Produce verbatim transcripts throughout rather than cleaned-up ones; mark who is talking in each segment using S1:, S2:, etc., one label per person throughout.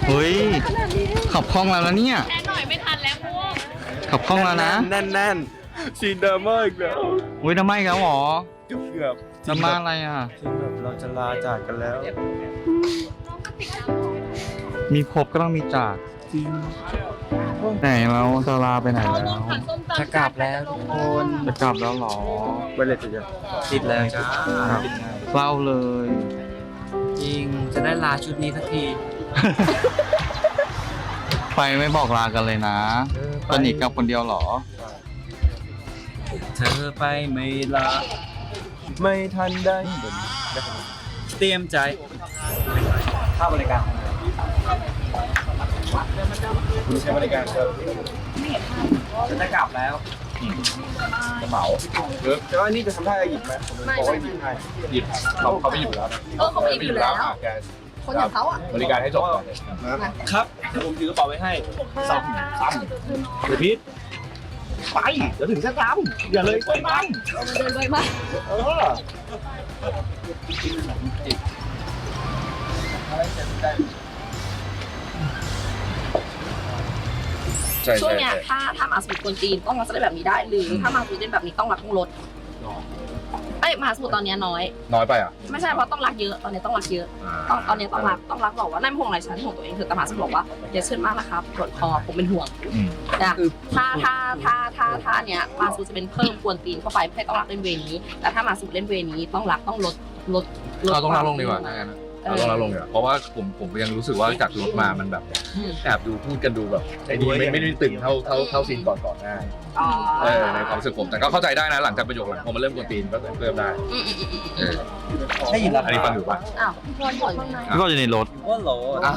S1: เฮ้ยขับคล่องแล้วนะเนี่ย
S2: แค่หน่อยไม่ทันแล้วพวก
S1: ขับคล่องแล้วนะ
S3: แน่นแน่นซีนดราม่าอีกแล้ว
S1: อุ้ยทำไมครับหรอ
S3: เกือบเกือบ
S1: ดราม่าอะไรอ่ะ
S3: ซีนแบบเราจะลาจากกันแล้ว
S1: มีพบก็ต้องมีจาก
S3: จริง
S1: ไหนเราจะลาไปไหนแล้ว
S3: จะกลับแล้วทุกคน
S1: จะกลับแล้วหรอ
S3: เวลาจะจะติดแล้วจ้า
S1: เศร้าเลย
S3: จริงจะได้ลาชุดนี้สักที
S1: ไปไม่บอกลากันเลยนะตอนนี้กลับคนเดียวหรอ
S3: เธอไปไม่ลาไม่ทันได้เตรียมใจค่าบริการคุณใช้บริการครับจะจะกลับแล้วจะเหมาแต่ว่านี่จะทำท่าจะหยิบไหมบอกว่าหยิบให้หยิบเขาเขาไม่หยิบแล้ว
S2: เออเขาไม่อยู่แล้ว
S3: แก
S2: คนอย่างเขาอ่ะ
S3: บริการให้จบก่อนครับเดี๋ยวผมถือกระเป๋าไว้ให้ซ้ำซ้ำเดี๋ยวพีทไปเดี๋ยวถึงจะซ้ำอย่าเลยไปมัน
S2: เดินไปมาก
S3: เออ
S2: ช่วงเนี้ยถ้าถ้ามาสมุทรคนจีนต้องรักจะได้แบบนี้ได้ หรือถ้ามาสมุทรเป็นแบบนี้ต้องรักต้องลดเอ้ยมาสมุทรตอนเนี้ยน้อย
S3: น้อยไปอ่ะ
S2: ไม่ใช่เพราะต้องรักเยอะตอนนี้ต้องรักเยอะต้องตอนนี้ต้องรักต้องรักบอกว่านั่นเป็นห่วงอะไรฉันห่วงตัวเองเธอแต่มาสมุทรบอกว่าอย่าเชื่อมากนะครับปวดคอผมเป็นห่วงนะถ้าถ้าถ้าถ้าถ้าเนี้ยมาสมุทรจะเป็นเพิ่มกวนตีนเข้าไปให้ต้องรักเล่นเวนี้แต่ถ้ามาสมุทรเล่นเวนี้ต้องรักต้องลดลด
S4: เราต้องลดลงดีกว่าถ้างั้นเราต้องลดลงดีกว่าเพราะว่าผมผมยังรู้สึกว่าจากรถมามันแบบแอบดูพูดกันดูแบบไอ้นี่ไม่ไม่ได้ตึงเท่าเท่าเท่าซีนก่อนก่อนหน้าเออในความรู้สึกผมแต่ก็เข้าใจได้นะหลังจากประโยคหลังพอมาเริ่มกวนตีนก็เพิ่มได้เออ
S3: ได้ยินแล้ว
S4: อันนี้ฟังอยู่ปะ
S2: อ้าวพี่พรบอกยังไง
S1: ก็อยู่ในรถ
S3: ว่าโหล
S4: อ้าว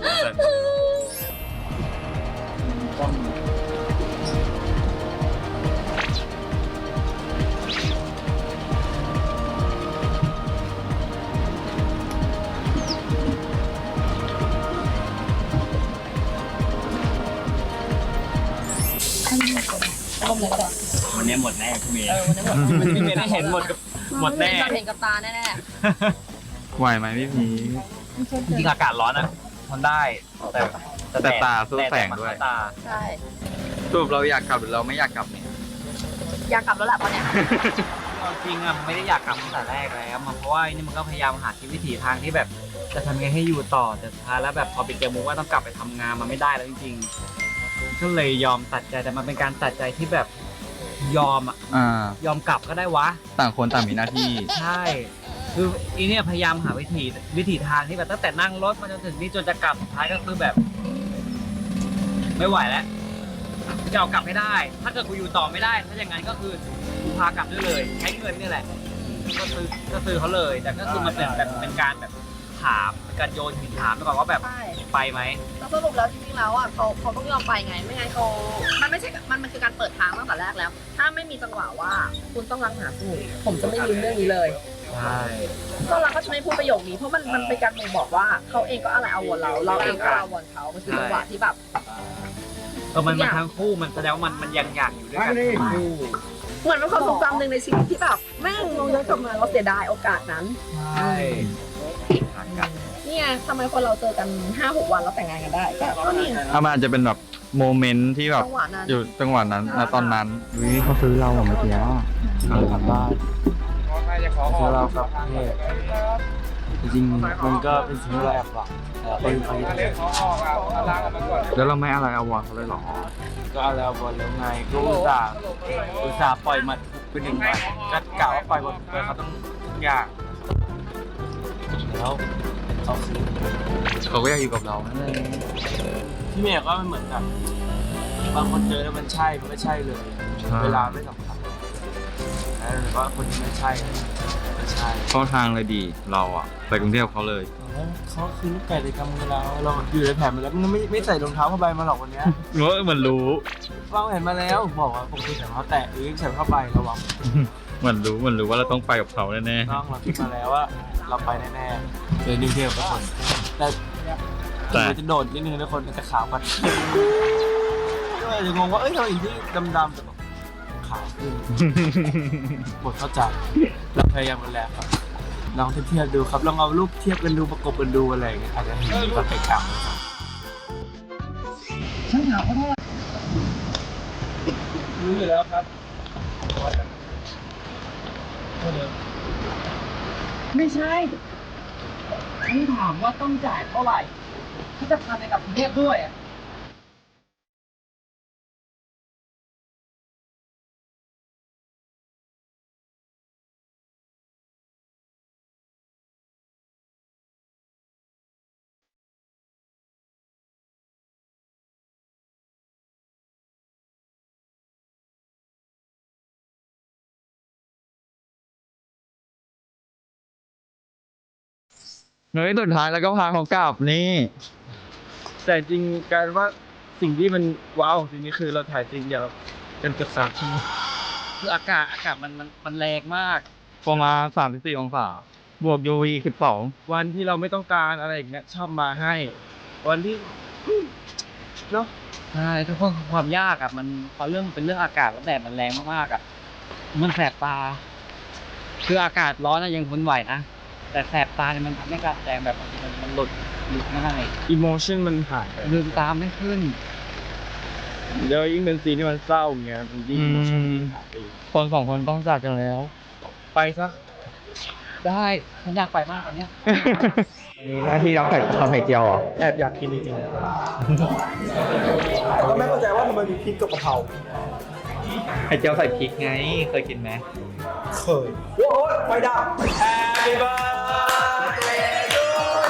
S2: ร่มเลยก็ได้
S3: วันนี้หมดแน่คุณเมย์
S2: เออวันนี้หมด
S3: พี่เมย์ได้เห็นหมดกับหมดแน่
S2: เห็นกับตาแน่
S1: ไหวไหมพี่พี
S3: จริงอากาศร้อนนะทนได้แต่
S1: แต่ตาสู้แสงด้วย
S3: ตา
S2: ๆใช่
S1: สรุปเราอยากกลับหรือเราไม่อยากกลับเนี่ย
S2: อยากกลับแล้วแหละตอนเนี้ย
S3: จริงอ่ะไม่ได้อยากกลับตั้งแต่แรกแล้วมันเพราะว่านี่มันก็พยายามหาวิถีทางที่แบบจะทำยังไงให้อยู่ต่อแต่สุดท้ายแล้วแบบพอไปเจอมุกว่าต้องกลับไปทำงานมันไม่ได้แล้วจริงๆก็เลยยอมตัดใจแต่มันเป็นการตัดใจที่แบบยอมอ่ะ
S1: อ่าย
S3: อมกลับก็ได้วะ
S1: ต่างคนต่างมีหน้าที่
S3: ใช่ คืออีเนี่ยพยายามหาวิธีวิถีทางที่แบบตั้งแต่นั่งรถมาจนถึงนี่จนจะกลับสุดท้ายก็คือแบบ ไม่ไหวแล้วจะเอากลับให้ได้ ถ้าเกิดกูอยู่ต่อไม่ได้ ถ้าอย่างนั้นก็คือกูพากลับได้เลย ใช้เงินนี่แหละ ก็ซื้อก็ซื้อเขาเลย แต่ก็คือมันเป็นแบบเป็นการแบบถามเป็นการโยนหินถามไปก่อนว่าแบบ
S2: ใช่
S3: ไปไหม
S2: แล้วสรุปแล้วจริงๆแล้วอ่ะเขาเขาต้องยอมไปไงไม่งั้นเขามันไม่ใช่มันมันคือการเปิดทางตั้งแต่แรกแล้ว ถ้าไม่มีจังหวะว่าคุณต้องรักหาสมุทรผมจะไม่ลืมเรื่องนี้เลย
S3: ใช่
S2: ต้องรักก็จะไม่พูดประโยคนี้เพราะมันมันเป็นการบ่งบอกว่าเขาเองก็อะไรเอาวนเรา เราเองก็เอาวนเขามันคือจังหวะที่แบบ
S3: เออมันมันทั้งคู่มันแสดงว่ามันมันยังอยากอยู่ด้วยกันทั้งคู่
S2: เหมือนเป็นความทรงจำหนึ่งในชีวิตที่แบบแม่งมองย้อนกลับมาเราเสียดายโอกาสนั้น
S3: ใช่หากัน
S2: นี่ไงทำไมคนเราเจอกันห้าหกวันแล้วแต่งงานกันได้ก็ก็นี่ไง
S1: ถ้ามันอาจจะเป็นแบบโมเมนต์ที่แบบ
S2: จังหวะนั้น
S1: อยู่จังหวะนั้นณตอนนั้นวิเขาซื้อเราเมื่อกี้เรากลับบ้าน
S3: คือเรากับเทพจริงๆมันก็เป็นสิ่งที่เราแอบหวังแต่เป็นครั้งที่
S1: แล้วเราไม่อะไรเอาวอนเขาเลยเหรอ
S3: ก็เอาแล้วบอลแล้วไงก็อุตส่าห์อุตส่าห์ปล่อยมันเป็นหนึ่งวันก็กล่าวว่าปล่อยบอลไปเขาต้องทุกอย่างแล้วเขาคือ
S1: เขาก็อยากอยู่กับเรานั่นเอง
S3: ที่เมย์ก็มันเหมือนกับบางคนเจอแล้วมันใช่มันไม่ใช่เลย เวลาไม่สำคัญแล้วหรือว่าคนที่ไม่ใช่ไม่ใช่
S1: เข้าทางเลยดีเราอะไปกรุงเทพเขาเลย
S3: เขาคือลูกไก่ในกำมือเราเราอยู่ในแผนมาแล้วมันไม่ไม่ใส่รองเท้าผ้าใบมาหรอกวันนี้
S1: เออเหมือนรู้
S3: เราเห็นมาแล้วบอกว่าปกติใส่รองเท้าแตะหรือใส่ผ้าใบระวัง
S1: เหมือนรู้เหมือนรู้ว่าเราต้องไปกับเขาแน่
S3: น้องเราคิดมาแล้วว่าเราไปแน่ๆเลยนิวเทลทุกคนแต่มันจะโดดนิดนึงทุกคนมันจะขาวกันก็เลยจะงงว่าเอ้ยทำไมอีกที่ดำๆแต่แบบขาวขึ้น
S1: ๆ
S3: หมดเข้าใจเราพยายามกันแล้วครับลองเทียบดูครับลองเอารูปเทียบกันดูประกบกันดูอะไรอย่างเงี้ยอาจจะเห็นความแตกต่างนะครับถามเขาด้วยรู้อยู่แล้วครับไม่ใช่ฉันถามว่าต้องจ่ายเท่าไหร่ถ้าจะพาไปกับกรุงเทพด้วยอะ
S1: เฮ้ยสุดท้ายแล้วก็พาเขากลับนี่
S5: แต่จริงกลายเป็นว่าสิ่งที่มันว้าวสิ่งนี้คือเราถ่ายจริงเดียวกันเกือบสามชั่วโมง
S3: คืออากาศอากาศมันมันมันแรงมาก
S1: ประมาณสามสิบสี่องศาบวก ยู วี สิบสอง
S5: วันที่เราไม่ต้องการอะไรอย่างเงี้ยชอบมาให้ วันที่เนาะ
S3: ใช่ทุกคนความยากอ่ะมันพอเรื่องเป็นเรื่องอากาศแล้วแดดมันแรงมากๆอ่ะมันแสบตา คืออากาศร้อนนะยังทนไหวนะแต่แสบตาเนี่ยมันทำให้การแสดงแบบบางทีมันมันหลุดหลุดง่าย
S5: อิโมชันมันหายไป
S3: ลืมตามไม่ขึ้น
S5: แล้วยิ่งเป็นซีนที่มันเศร้าอย่างเงี้ยมันยิ่ง
S1: อืม
S5: หายไปอีก
S1: คนสองคนต้องจากกันแล้ว
S5: ไปซะ
S3: ได้ฉันอยากไปมากตอนเนี้ย
S1: มีหน้าที่รับไข่ทำไข่เจียวเหรอ
S5: แอบอยากกินจริงๆก็ไม่เข้าใจว่าทำไมมีพริกกับกะเพรา
S1: ไข่เจียวใส่พริกไง เคยกินไหม
S5: เคยโอ้ยไฟดับ Happy birthday to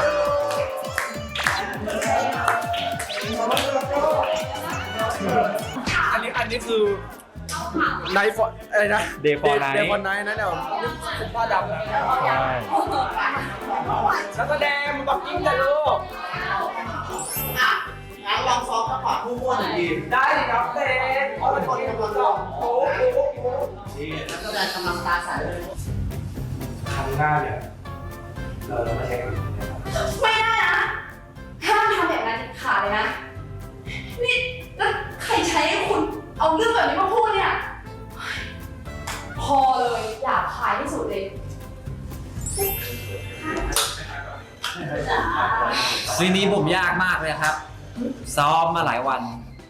S5: you อันนี้อันนี้คือไนฟ์อะไรนะ
S1: Day for Night
S5: เดย์ฟอร์ไนท์นะเนี่ยคุณพ่อดำ
S1: ใช่
S5: นักแสดงมันบอกยิ่งแต่ลูก
S6: งั้นลองซ้อมจังหวะคู่ๆหน่อยดิ
S5: ได้ดิครับเต้เพราะเป็นคนกำลังร้องโอ้โห
S6: นักแสดงกำลังตาใสเลย
S5: ครั้งหน้าเนี่ยเราจะมาเช็คกัน
S2: ไม่ได้นะห้ามทำแบบนั้นเด็ดขาดเลยนะนี่แล้วใครใช้ให้คุณเอาเรื่องแบบนี้มาพูดเนี่ยพอเลยอยากขายที่สุดเลย
S3: ซีนนี้ผมยากมากเลยครับ ซ้อมมาหลายวัน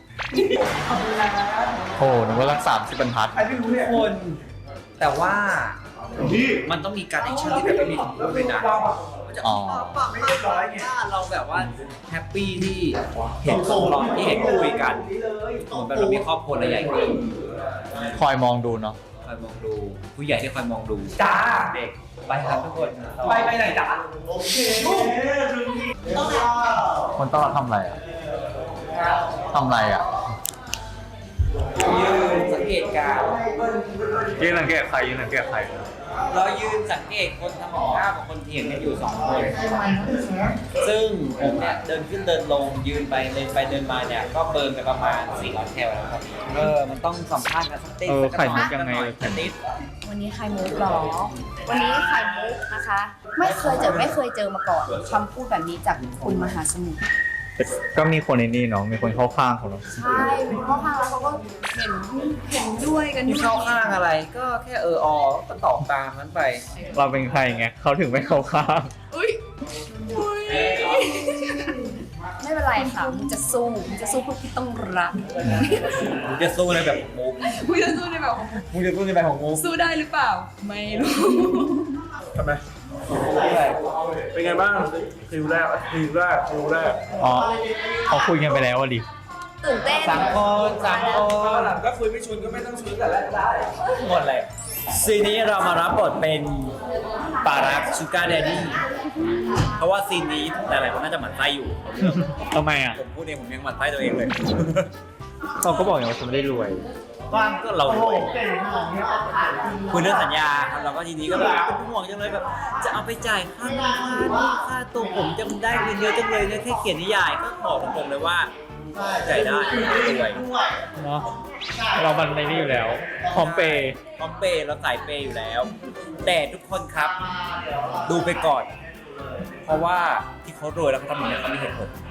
S1: โอ้หนูว่ารักสามสิบบรรทัด
S5: ใครไม่รู้เนี่ย
S3: คน แต่ว่ามันต้องมีการแอคชั่นที่แบบไม่มีคำพูดเลยนะมันจะ
S1: อ๋อ
S3: ปังไม่เรียบร้อยไงเราแบบว่าแฮปปี้ที่เห็นเขาร้องที่เห็นคุยกันเหมือนแบบเรามีครอบครัวใหญ่ขึ้น
S1: คอยมองดูเนาะ
S3: คอยมองดูผู้ใหญ่ที่คอยมองดู
S5: จ้า
S3: เด็กไปครับทุกคน
S5: ไปไปไหนจ้า
S6: โอเคต้องรอ
S1: คนต้อนรับทำอะไรอ่ะทำอะไรอ่ะ
S3: ยืนสังเกตการณ์
S1: ยืนสังเกตใครยืนสังเกตใคร
S3: เรายืนสังเกตคนทำของข้าวกับคนเถียงกันอยู่สองคน ซึ่งผมเนี่ยเดินขึ้นเดินลงยืนไปเดินไปเดินมาเนี่ยก็เบิร์นไปประมาณสี่ร้อยแคลแล้วครับเออมันต้องสัมภาษณ์กันสักติด
S1: เออ
S3: สัก
S1: ไข่มุก
S3: หน่อ
S1: ยังไง
S3: สักนิด
S2: วันนี้ไข่มุกหรอ วันนี้ไข่มุกนะคะ ไม่เคยเจอไม่เคยเจอมาก่อนคำพูดแบบนี้จากคุณมหาสมุทร
S1: ก็มีคนในนี่เนาะมีคนเข้าข้างเขาเนาะ
S2: ใช่เป็นข้อข้างแล้วเขาก็เห็นเห็นด้วยกัน
S3: มีเข้าข้างอะไรก็แค่เออออก็ตอบตามนั้นไป
S1: เราเป็นใครไงเขาถึงไม่เข้าข้าง
S2: อุ้ยอุ้ยไม่เป็นไรค่ะมึงจะสู้มึงจะสู้พวกที่ต้องรัก
S3: มึงจะสู้ในแบบของมุก
S2: มึงจะสู้ในแบบของ
S3: มึงจะสู้ในแบบของมุก
S2: สู้ได้หรือเปล่า ไม่รู้
S5: ทำไมเป็นไงบ้างคิวแรกคิวแรกคิวแรก
S1: อ๋อเขาคุยกันไปแล้วอ่ะดิ
S2: ตื่นเต้น
S3: สามคนสามค
S5: ตอน นหลังก็คุยไม่ชวนก็ไม่ต้องชวนแต่แรกได้
S3: หมดเลยซีนนี้เรามารับบทเป็นปารักชูการ์แดดดี้เพราะว่าซีนนี้หลายๆคนน่าจะหมั่นไส้อยู่
S1: ทำไมอ่ะ
S3: ผมพูดเองผมยังหมั่นไส้ตัวเองเลย
S1: เขาก็บอกอย่างว่าฉันไม่ได้รวย
S3: ว่างก็เรารวยคุยเรื่องสัญญาครับเราก็ทีนี้ก็แบบเป็นห่วงจังเลยแบบ จะเอาไปจ่ายค่าน้ำค่านี่ค่าตัวผมจะได้เงินเยอะจังเลยเนี่ยแค่เขียนนิยายก็บอกตรงๆเลยว่าจ่ายได้รวย
S1: เนาะเรามันในนี่อยู่แล้วพร้อมเปย์
S3: พร้อมเปย์เราสายเปย์อยู่แล้ว แต่ทุกคนครับ ดูไปก่อน เพราะว่าที่เขารวยแล้วเขาทำอย่างนี้เขามีเหตุผล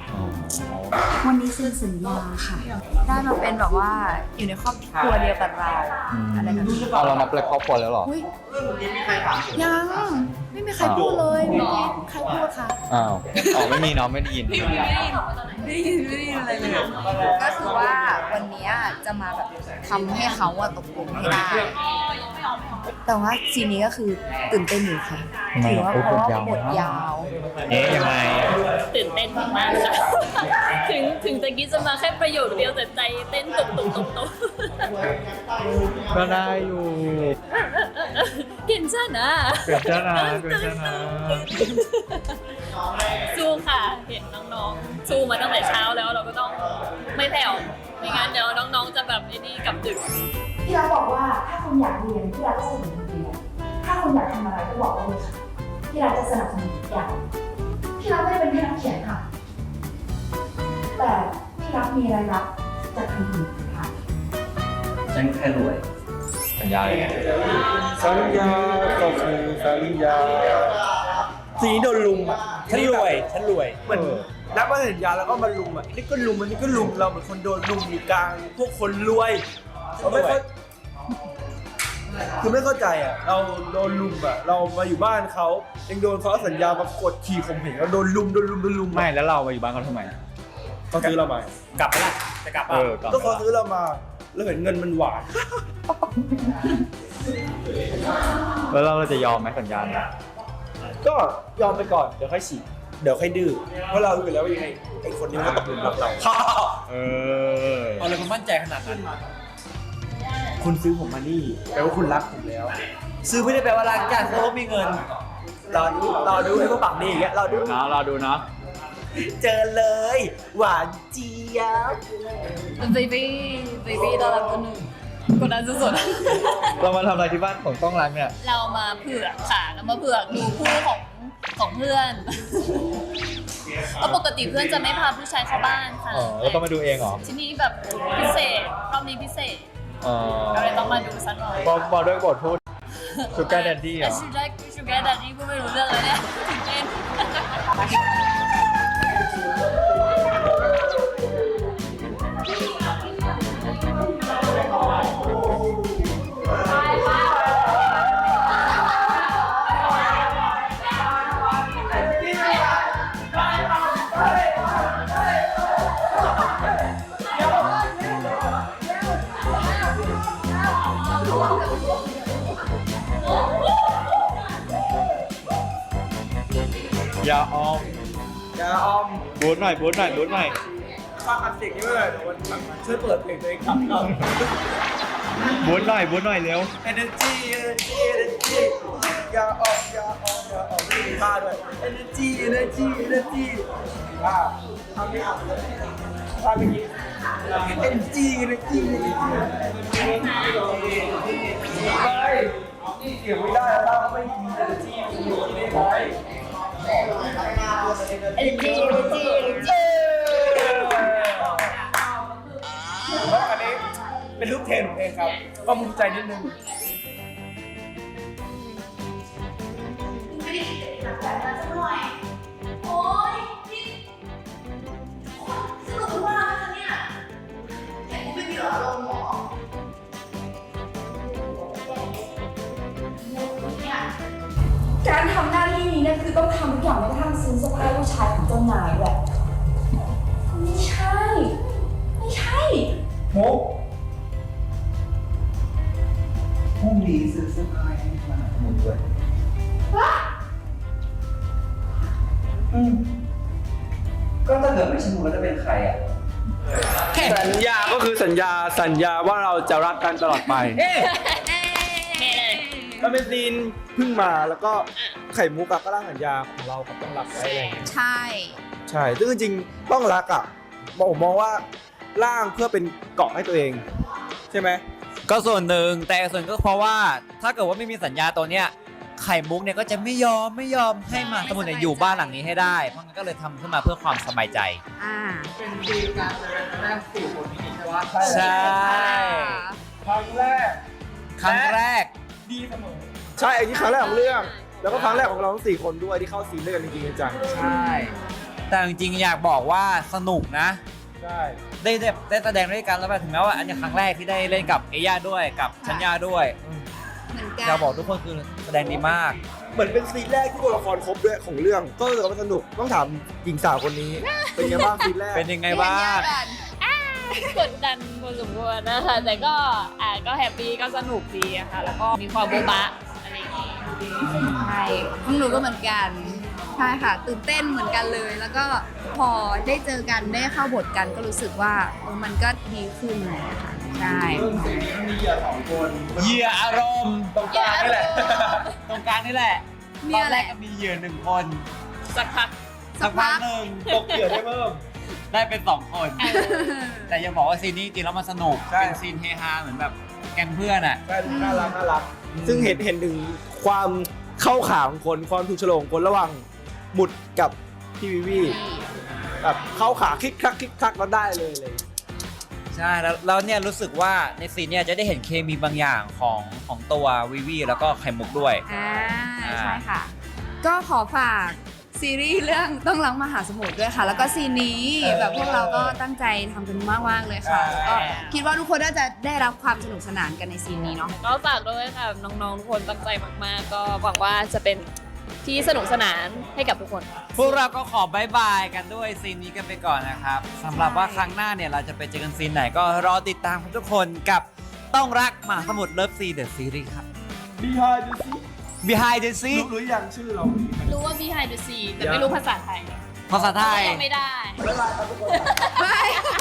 S7: วันนี้เซ็นสัญญาค่ะ ได้มาเป็นแบบว่าอยู่ในครอบครัวเดียวกับเราอะไรแบบนี้
S1: เอาเรานับเป็นครอบครัวแล้วเหรอ
S7: อุ๊ยยังไม่มีใครพูดเลยเมื่อกี้ใครพูดคะ
S1: อ้าวอ๋อไม่มีเนาะไม่ได้ยิน
S7: ไม่ได้ยินไม่ได้ยินอะไรเลยก็คือว่าวันนี้จะมาแบบทำให้เขาอะตกลงให้ได้ แต่ว่าซีนนี้ก็คือตื่นเต้นอยู่ค่ะ
S1: ทำไม
S7: ถือว่า
S1: โอ้ย
S7: เพราะว่า
S1: บทยาว
S7: บทยาว
S1: เอ๊ะยังไง
S8: ตื่นเต้นมากๆค่ะ ถึงถึงตะกี้จะมาแค่ประโยคเดียวแต่ใจเต้นตุบตุบตุบตุบ
S1: ก็ได้อยู่
S8: เก่งจ้านะ
S1: เกิดจ้านะเกิดจ้านะ
S8: สู้ค่ะ เห็นน้องๆ สู้มาตั้งแต่เช้าแล้วเราก็ต้องไม่แผ่วไม่งั้นเดี๋ยวน้องๆจะแบบไอ้นี่กลับดึก
S7: พี่รักบอกว่าถ้าคุณอยากเรียนพี่รักก็สนับสนุนเรียนถ้าคุณอยากทำอะไรก็บอกได้เลยค่ะพี่รักจะสนับสนุนทุกอย่างพี่รักไม่ได้เป็นแค่นักเขียนค่ะ แต่พี่รักมีรายรับจากทางอื่นค่ะ
S3: ฉันแค่รวย
S1: สัญญาเลยไง
S5: สัญญาก็คือสัญญาสีนี้โดนลุมอ่ะ
S3: ฉันรวยฉันรวย
S5: เหมือนนับว่าสัญญาแล้วก็มาลุมอ่ะนี่ก็ลุมอันนี้ก็ลุมเราเหมือนคนโดนลุมอยู่กลางพวกคนรวยเราไม่เข้าคือไม่เข้าใจอ่ะเราโดนลุมอ่ะเรามาอยู่บ้านเขายังโดนเขาเอาสัญญามากดขี่ข่มเหงเราโดนลุมโดนลุมโดนลุม
S1: ไม่แล้วเรามาอยู่บ้านเขาทำไม
S5: เขาซื้อเรามาก
S3: ลับไปละจะกลับ
S1: เอ
S3: อ่ะ
S1: อก่อน
S5: ก็เขาซื้อเรามาแล้วเห็นเงินมันหวาน
S1: แล้วเราจะยอมไหมสัญญาเนี่ย
S5: ก็ยอมไปก่อนเดี๋ยวค่อยฉีกเดี๋ยวค่อยดื้อเพราะเรารู้อยู่แล้วว่ายังไงไอ้คนนี้มันก็ตกหลุมรักเรา
S1: เออ
S3: เอาเลยคุณมั่นใจขนาดนั้น
S5: คุณซื้อผมมานี่แปลว่าคุณรักผมแล้ว
S3: ซื้อไม่ได้แปลว่ารักจ้ะเพราะว่ามีเงิน
S5: รอดูรอดูไอ้พวกปากดีอย่างเงี้ยรอดู
S1: เนาะรอดูเนาะ
S5: เจอเลย หวานเจี๊ยบ
S8: เบบี้เบบี้น่ารักคนหนึ่งคนนั้นสุด
S1: เรามาทำอะไรที่บ้านของต้องรักเนี่ย
S8: ๆเรามาเผือกค่ะเรามาเผือกดูคู่ของของเพื่อนเพราะปกติเพื่อนจะไม่พาผู้ชายเข้าบ้านค่ะ
S1: อ๋อแล้วต้องมาดูเองเหรอ
S8: ที่นี่แบบพิเศษรอบนี้พิเศษ
S1: อ๋อ
S8: เราเลยต้องมาดูสักหน่อย
S1: บอกบอกด้วยบทพูด Sugar Daddy เหรอ
S8: ชูการ์ชูการ์ดัดดี้พูดไม่รู้เรื่องเลยเนี่ยตื่นเต้น
S1: อย่าออม
S5: อย่าออม
S1: บูทหน่อยบูทหน่อยบูทหน่อย
S5: ฟังอัดเสียงนี้ไม่ได้เดี๋ยววันหลังช่วยเปิดเพลงตัวเองขับก่อน
S1: บูทหน่อยบูทหน่อยเร็ว
S5: Energy Energy Energy อย่าออมอย่าออมอย่าออมไม่มีท่าด้วย Energy Energy Energy ท่าทำไม่เอาท่าเมื่อกี้ Energy Energy Energy ไม่เสียงไม่ได้แล้วไม่มี Energy Energy ได้ไหม
S7: Energy Energy Energy
S5: แล้วอันนี้เป็นรูปเทรนผมเองครับ ก็ภูมิใจนิดนึง
S7: โอ๊ยนี่สนุกมากเลยเนี่ยแต่กูไม่มีอารมณ์หรอการทำหน้าที่นี้เนี่ยคือต้องทำทุกอย่างแม้กระทั่งซื้อเสื้อผ้าผู้ชายของเจ้านายด้วยไม่ใช่ ไม่ใช่
S5: โมกพรุ่งนี้ซื้อเสื้อผ้าให้มาหมดด้วย
S3: อืมก็ถ้าเกิดไม่ใช่มึงแล้วจะเป็นใครอ่ะ
S5: สัญญาก็คือสัญญาสัญญาว่าเราจะรักกันตลอดไป มันเป็นซีนเพิ่งมาแล้วก็ไข่มุกอะก็ร่างสัญญาของเรากับต้องรักไว้อะไรอย่างเงี้ย
S7: ใช่
S5: ใช่ซึ่งจริงๆต้องรักอะผมมองว่าร่างเพื่อเป็นเกาะให้ตัวเอง ใช่ไหม
S3: ก็ส่วนหนึ่งแต่ส่วนก็เพราะว่าถ้าเกิดว่าไม่มีสัญญาตัวเนี้ยไข่มุกเนี่ยก็จะไม่ยอมไม่ยอมให้มาสมุนเนี่ยอยู่บ้านหลังนี้ให้ได้เพราะงั้นก็เลยทำขึ้นมาเพื่อความสบายใจ
S7: อ่า
S3: ใช่
S5: ครั้งแรก
S3: ครั้งแรก
S5: ดีเสมอใช่อันนี้ครั้งแรกของเรื่อง แล้วก็ครั้งแรกของเราทั้งสี่คนด้วยที่เข้าซีนด้วยกันจริงๆจัง
S3: ใช่แต่จริงๆอยากบอกว่าสนุกนะ
S5: ใช่
S3: ได้ได้ได้แสดงด้วยกันแล้วแบบถึงแม้ว่าอันนี้ครั้งแรกที่ได้เล่นกับเอย่าด้วยกับชัญญาด้วย
S8: เหมือนกัน
S3: อยากบอกทุกคนคือแสดงดีมาก
S5: เหมือนเป็นซีนแรกที่ตัวละครครบด้วยของเรื่องก็รู้สึกว่ามันสนุกต้องถามหญิงสาวคนนี้ เป็นไงบ้างซีนแรก
S3: เป็นยังไงบ้าง
S9: กดดันพอสมควรนะคะแต่ก็อ่าก็แฮปปี้ก็สนุกดีอะค่ะแล้วก็มีความโบ๊ะบะอะไรอย่างงี้
S8: ใช่ของหนูก็เหมือนกันใช่ค่ะ ตื่นเต้นเหมือนกันเลย แล้วก็พอได้เจอกันได้เข้าบทกันก็รู้สึกว่าเออมันก็ดีขึ้นเลยค่ะใช่
S5: เรื่องซีนนี้มันมีเหยื่อสองคน
S3: เหยื่ออารมณ์ตรงกลางนี่แหละ ตรงกลางนี่แหละ
S8: เนี่
S3: ตอย น
S8: แห
S3: แร
S8: ละ
S3: กก็มีเหยื่อหนึ่งคน
S9: สักพัก
S3: สักพักหนึ่ง
S5: ตกเหยื่อได้เพิ่ม
S3: ได้เป็นสองคน แต่ยังบอกว่าซีนนี้จริงๆแล้วมันสนุก
S5: ใช่
S3: เป็นซีนเฮฮาเหมือนแบบแก๊งเพื่อนอ่ะ
S5: ใช่น่ารักน่ารัก ซึ่งเห็นเห็นถึงความเข้าขาของคนความถูกโฉลงคนระหว่างหมุดกับพี่วิวีแบบเข้าขาคลิกคลักคลิกคลักแล้วได้เลยเลย
S3: ใช่แล้วแล้วเนี่ยรู้สึกว่าในซีนเนี่ยจะได้เห็นเคมีบางอย่างของของตัววิวีแล้วก็ไข่มุกด้วย
S8: อ่าใช่ค่ะ ก็ขอฝากซีรีส์เรื่องต้องรักมหาสมุทรด้วยค่ะ แล้วก็ซีนนี้แบบพวกเราก็ตั้งใจทำกันมากๆเลยค่ะแล้วก็คิดว่าทุกคนน่าจะได้รับความสนุกสนานกันในซีนนี้เนาะ
S9: ก็ฝากด้วยค่ะน้องๆทุกคนตั้งใจมากๆ ก็หวังว่าจะเป็นที่สนุกสนานให้กับทุกคน
S3: พวกเราก็ขอบายบายกันด้วยซีนนี้กันไปก่อนนะครับสำหรับว่าครั้งหน้าเนี่ยเราจะไปเจอกันซีนไหนก็รอติดตามทุกคนกับต้องรักมหาสมุทรเลิฟซีเดอะซีรีส์ครับ
S5: Behind the scene
S3: Behind the
S5: รู้
S3: Scene
S5: รู้ยังชื่อเรา
S9: รู้ว่า behind the scene แต่ไม่รู้ภาษาไทย
S3: ภาษาไทย
S9: ยังไม่ได้
S5: บ๊ายบายครับทุกคน
S8: ไม่